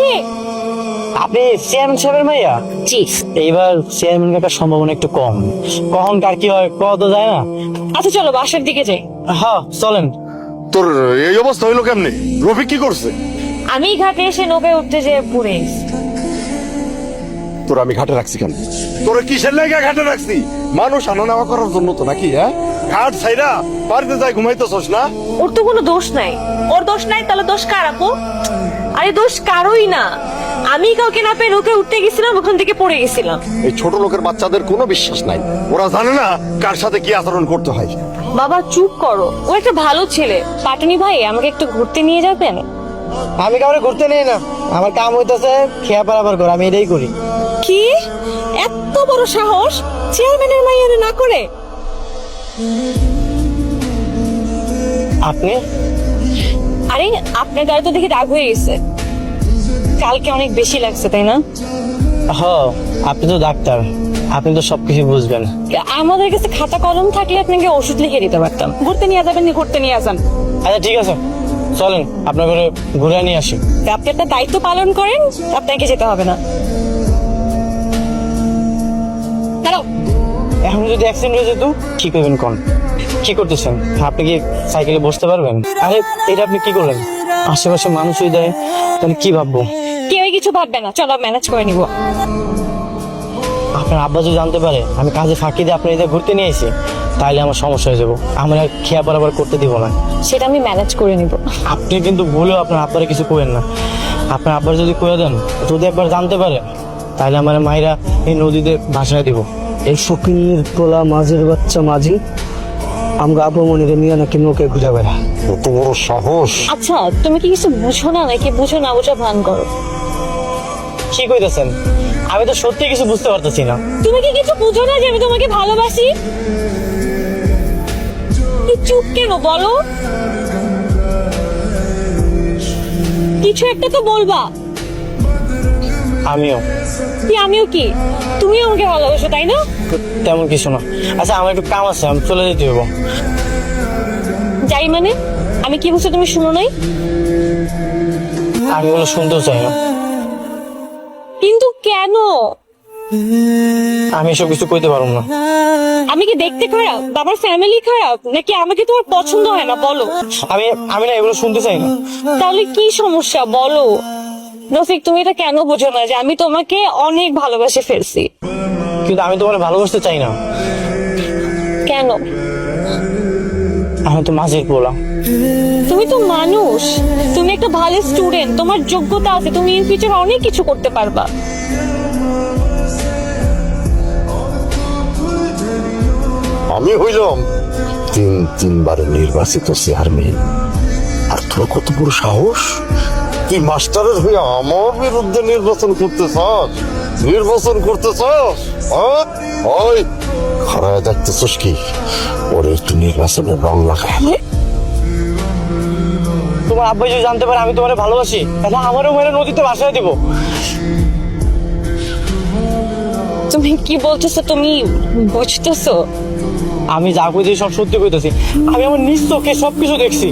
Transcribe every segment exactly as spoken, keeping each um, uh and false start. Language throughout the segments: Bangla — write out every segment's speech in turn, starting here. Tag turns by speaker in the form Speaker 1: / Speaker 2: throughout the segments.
Speaker 1: কে?
Speaker 2: আপনি চেয়ারম্যান সাহেবের মাইয়া?
Speaker 1: জি।
Speaker 2: এইবার চেয়ারম্যান কাটার সম্ভাবনা একটু কম, কখন কার কি হয় কত তো যায় না।
Speaker 1: আচ্ছা চলো বাসার দিকে যাই।
Speaker 2: হ্যাঁ চলেন।
Speaker 3: তোর এই অবস্থা হইলো কেমনে? রফিক কি করছে?
Speaker 1: আমি ঘাটে এসে নৌকায় উঠতে যেয়ে পড়ে গেছি।
Speaker 3: তোর আমি ঘাটে রাখছি কেন? তোর কিসের লেগে ঘাটে রাখছি? মানুষ আনা নেওয়া করার জন্য তো নাকি? হ্যাঁ, ঘাট ছাইরা বাড়িতে যাই ঘুমাইতেছস না?
Speaker 1: ওর তো কোনো দোষ নাই। ওর দোষ নাই তাহলে দোষ কার আপু? আরে দোষ কারোই না, আমি কাউকে না পেয়ে নৌকায় উঠতে গেছিলাম, ওখান থেকে পড়ে গেছিলাম।
Speaker 3: এই ছোট লোকের বাচ্চাদের কোনো বিশ্বাস নাই, ওরা জানে না কার সাথে কি আচরণ করতে হয়।
Speaker 1: বাবা চুপ করো, ও একটা ভালো ছেলে। পাটনি ভাই আমাকে একটু ঘুরতে নিয়ে যাবেন?
Speaker 2: আমি কাউরে ঘুরতে নেই না, আমার কাম হইতেছে খেয়া পারাবার করে, আমি এটাই করি।
Speaker 1: কি এত বড় সাহস চেয়ারম্যানের মাইয়ার না করে?
Speaker 2: আপনি?
Speaker 1: আরে আপনার গায়ে তো দেখি রাগ হয়ে গেছে, কালকে অনেক বেশি লাগছে তাই না?
Speaker 2: হ, আপনি তো ডাক্তার, আপনি তো সবকিছু বুঝবেন।
Speaker 1: আমাদের কাছে খাতা কলম থাকলে আপনাকে ওষুধ লিখে দিতে পারতাম। ঘুরতে নিয়ে যাবেন, ঘুরতে নিয়ে যান।
Speaker 2: আচ্ছা ঠিক আছে, চলেন আপনার ঘরে ঘুরে নিয়ে আসি।
Speaker 1: আপনি একটা দায়িত্ব পালন করেন, আপনাকে যেতে হবে না। দাঁড়াও।
Speaker 2: এখন যদি অ্যাক্সিডেন্ট হয়ে যেত কি করবেন কোন? কি করতেছেন আপনি? কি সাইকেলে বসতে পারবেন? আরে এটা আপনি কি করলেন? আশেপাশে মানুষই দেয়, তাহলে কি ভাববো?
Speaker 1: কেউ কিছু ভাববে না, চলো ম্যানেজ করে নিব।
Speaker 2: আপনার আব্বা যদি জানতে পারে আমি কাজে ফাঁকি দিয়ে আপনার এদের ঘুরতে নিয়ে এসেছি, তাহলে আমার সমস্যা হয়ে যাবো। আমার আর খেয়া বরাবর করতে দিব না।
Speaker 1: সেটা আমি ম্যানেজ করে নিব।
Speaker 2: আপনি কিন্তু ভুলেও আপনার আব্বারে কিছু করেন না। আপনার আব্বার যদি কয়ে দেন, যদি একবার জানতে পারে, তাহলে আমার মায়েরা এই নদীতে ভাসায় দিব। এই ফকির তোলা মাঝের বাচ্চা মাঝি আমরা আবমনিরে নিয়ে নাকি নৌকে ঘুরে বেড়া।
Speaker 3: কত বড় সাহস!
Speaker 1: আচ্ছা তুমি কি কিছু বুঝো না নাকি বুঝো না বুঝা ভান করো?
Speaker 2: কি কইতেছেন? আমি তো সত্যি কিছু বুঝতে পারতেছি না।
Speaker 1: তুমি কি কিছু বুঝো না যে আমি তোমাকে ভালোবাসি? তুই চুপ কেন বলো? কিছু একটা তো বলবা।
Speaker 2: আমিও।
Speaker 1: কি আমিও কি? তুমিও আমাকে ভালোবাসো তাই না?
Speaker 2: তেমন কিছু না। আচ্ছা আমার একটু কাম আছে, আমি চলে যেতে হবো।
Speaker 1: যাই মানে? আমি কি বলছি তুমি শুনো নাই?
Speaker 2: আমি ওগুলো শুনতেও চাই না।
Speaker 1: কিন্তু কেন?
Speaker 2: আমি এসব কিছু কইতে পারবো না।
Speaker 1: আমি কি দেখতে খারাপ? বাবার ফ্যামিলি খারাপ নাকি আমাকে তোমার পছন্দ হয় না বলো?
Speaker 2: আমি আমি না এগুলো শুনতে চাই না।
Speaker 1: তাহলে কি সমস্যা বলো? রফিক তুমি এটা কেন বোঝো না যে আমি তোমাকে অনেক ভালোবাসে ফেলছি?
Speaker 2: কিন্তু আমি তোমার ভালোবাসতে চাই না।
Speaker 1: কেন?
Speaker 2: আমি তো মাঝির পোলা।
Speaker 1: তুমি তো মানুষ, তুমি একটা ভালো স্টুডেন্ট, তোমার যোগ্যতা আছে, তুমি ইন ফিউচার অনেক কিছু করতে পারবা।
Speaker 3: আমি হইলাম তিন তিনবার নির্বাচিত চেয়ারম্যান, আর তোর কত বড় সাহস! তুই মাস্টারের হয়ে আমার বিরুদ্ধে নির্বাচন করতে চাস? নির্বাচন করতে চাস? হ্যাঁ? ওই খারায় দেখতেছস কি? ওরে একটু নির্বাচনের রং লাগায়।
Speaker 2: তোমার আব্বা যদি জানতে পারে আমি তোমার ভালোবাসি, তাহলে আমারও মেরে নদীতে ভাসায় দিব।
Speaker 1: তুমি কি বলতেছো? তুমি বুঝতেছো?
Speaker 2: আমি যা কইছি সব সত্যি কইতেছি। আমি আমার নিজ চোখে সবকিছু দেখছি।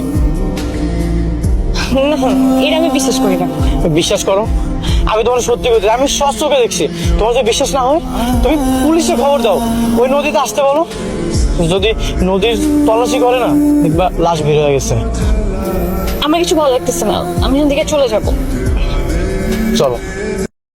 Speaker 1: না, এটা আমি বিশ্বাস করি না।
Speaker 2: বিশ্বাস করো, আমি তোমার সত্যি কইতেছি, আমি সব চোখে দেখছি। তোমার যদি বিশ্বাস না হয় তুমি পুলিশে খবর দাও, ওই নদীতে আসতে বলো। যদি নদীর তল্লাশি করে না, দেখবা লাশ বের হয়ে গেছে।
Speaker 1: আমার কিছু ভালো লাগতেছে না, আমি এখান থেকে চলে যাবো।
Speaker 2: চলো।